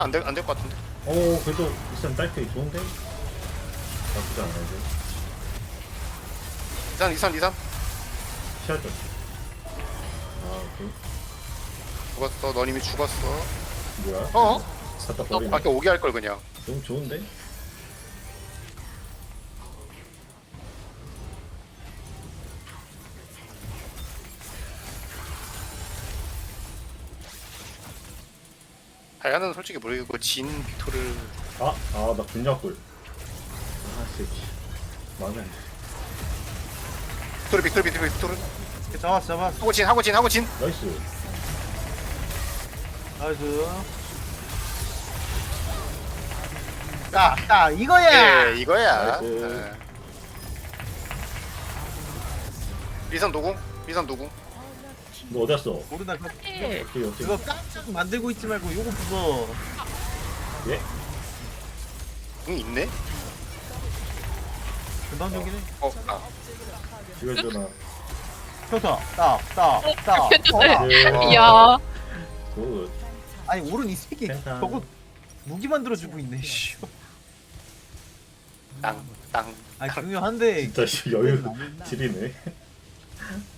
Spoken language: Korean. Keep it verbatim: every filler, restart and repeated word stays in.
안 될 안 될 것 같은데. 오 그래도 일단 딸피 좋은데? 나쁘지 않아 이제. 이산 이산 이산 피하죠. 아 오케이. 죽었어. 넌 이미 죽었어. 뭐야? 어? 갖다 버리네. 아까 오게 할 걸 그냥. 너무 좋은데? 다이아는 솔직히 모르겠고 진 빅토르 아! 아 나 분야골. 아 새끼. 마음에 안 돼. 빅토르 빅토르 빅토르 빅토르 잡았어 잡았어. 하고 진 하고 진 하고 진. 나이스. 나이스. 자, 자 이거야. 예 이거야. 나이스. 예. 리산 노궁 리산 노궁. 너 어디 갔어? 모르다 그거, 어떻게 어떻게? 그거 깜짝 만들고 있지 말고 요거 부숴. 예? 궁 있네. 금방적이네. 어 아. 죽여주나. 펴서 딱딱딱 괜찮아요. 네. 이야. 굿. 아니 오른 이 새끼 괜찮아. 저거 무기 만들어 주고 있네. 씨. 땅 땅. 아니 중요한데 진짜 씨, 여유 지리네.